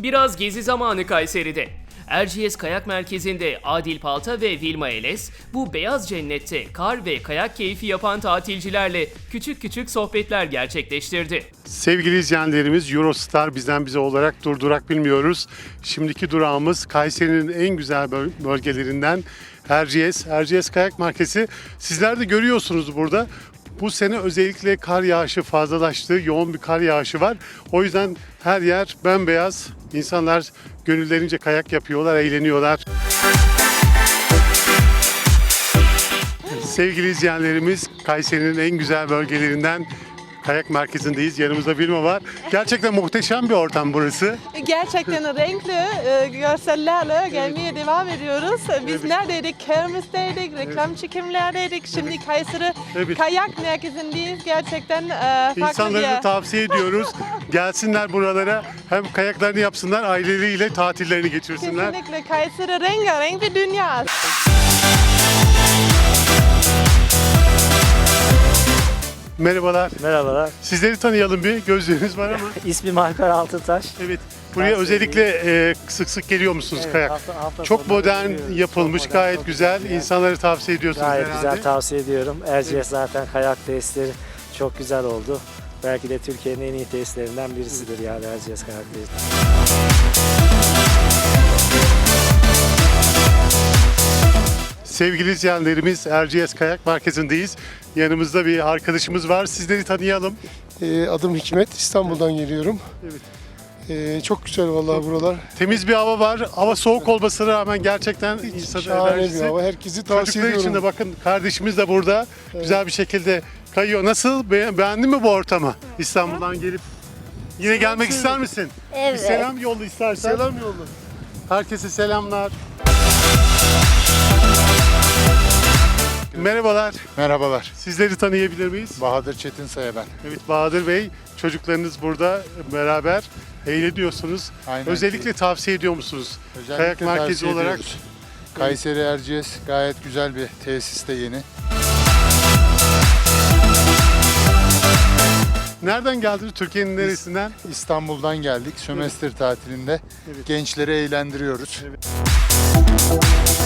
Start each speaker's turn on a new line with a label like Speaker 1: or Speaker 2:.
Speaker 1: Biraz gezi zamanı Kayseri'de. Erciyes Kayak Merkezi'nde Adil Palta ve Vilma Eles bu beyaz cennette kar ve kayak keyfi yapan tatilcilerle küçük küçük sohbetler gerçekleştirdi.
Speaker 2: Sevgili izleyenlerimiz, Eurostar bizden bize olarak durdurak bilmiyoruz. Şimdiki durağımız Kayseri'nin en güzel bölgelerinden Erciyes Kayak Merkezi. Sizler de görüyorsunuz burada. Bu sene özellikle kar yağışı fazlalaştı. Yoğun bir kar yağışı var. O yüzden her yer bembeyaz. İnsanlar gönüllerince kayak yapıyorlar, eğleniyorlar. Sevgili izleyenlerimiz, Kayseri'nin en güzel bölgelerinden Kayak Merkezi'ndeyiz. Yanımızda Vilma var. Gerçekten muhteşem bir ortam burası.
Speaker 3: Gerçekten renkli görsellerle gelmeye devam ediyoruz. Biz neredeydik? Kermis'teydik, reklam çekimlerdeydik. Şimdi Kayseri Kayak Merkezi'ndeyiz. Gerçekten farklı bir
Speaker 2: İnsanları da
Speaker 3: yer.
Speaker 2: tavsiye ediyoruz. Gelsinler buralara. Hem kayaklarını yapsınlar, aileleriyle tatillerini geçirsinler.
Speaker 3: Kesinlikle Kayseri rengarenk bir dünya.
Speaker 2: Merhabalar.
Speaker 4: Merhabalar.
Speaker 2: Sizleri tanıyalım bir. Gözleriniz var ama.
Speaker 4: İsmim Alper Altıtaş.
Speaker 2: Evet. Buraya
Speaker 4: Ben
Speaker 2: özellikle sık sık geliyor musunuz
Speaker 4: Evet,
Speaker 2: kayak?
Speaker 4: hafta
Speaker 2: Çok
Speaker 4: sonları
Speaker 2: modern
Speaker 4: geliyoruz.
Speaker 2: yapılmış,
Speaker 4: Çok modern,
Speaker 2: gayet
Speaker 4: çok
Speaker 2: güzel.
Speaker 4: güzel.
Speaker 2: İnsanları tavsiye ediyorsunuz
Speaker 4: Gayet
Speaker 2: herhalde.
Speaker 4: güzel, tavsiye ediyorum. Erciyes zaten kayak tesisleri çok güzel oldu. Belki de Türkiye'nin en iyi tesislerinden birisidir yani Erciyes Kayak Tesisleri.
Speaker 2: Sevgili izleyenlerimiz, Erciyes Kayak Merkezi'ndeyiz. Yanımızda bir arkadaşımız var. Sizleri tanıyalım.
Speaker 5: Adım Hikmet, İstanbul'dan geliyorum. Çok güzel vallahi buralar.
Speaker 2: Temiz bir hava var. Hava soğuk olmasına rağmen gerçekten insanın
Speaker 5: Şahane bir
Speaker 2: enerjisi.
Speaker 5: hava. Herkesi tavsiye
Speaker 2: Çocuklar
Speaker 5: ediyorum.
Speaker 2: için de bakın, kardeşimiz de burada güzel bir şekilde kayıyor. Nasıl? Beğendin mi bu ortamı? İstanbul'dan gelip yine gelmek ister misin?
Speaker 6: Evet.
Speaker 2: Bir selam yolla istersen.
Speaker 5: Selam yolla.
Speaker 2: Herkese selamlar. Merhabalar.
Speaker 7: Merhabalar.
Speaker 2: Sizleri tanıyabilir miyiz?
Speaker 7: Bahadır Çetinsay'a ben.
Speaker 2: Evet, Bahadır Bey, çocuklarınız burada beraber eğleniyorsunuz.
Speaker 7: Aynen.
Speaker 2: Özellikle tavsiye ediyor musunuz?
Speaker 7: Özellikle
Speaker 2: Kayak merkezi
Speaker 7: tavsiye
Speaker 2: olarak.
Speaker 7: ediyoruz. Kayseri Erciyes gayet güzel bir tesiste yeni.
Speaker 2: Nereden geldiniz? Türkiye'nin neresinden?
Speaker 7: İstanbul'dan geldik. Sömestr tatilinde gençleri eğlendiriyoruz.
Speaker 2: Evet.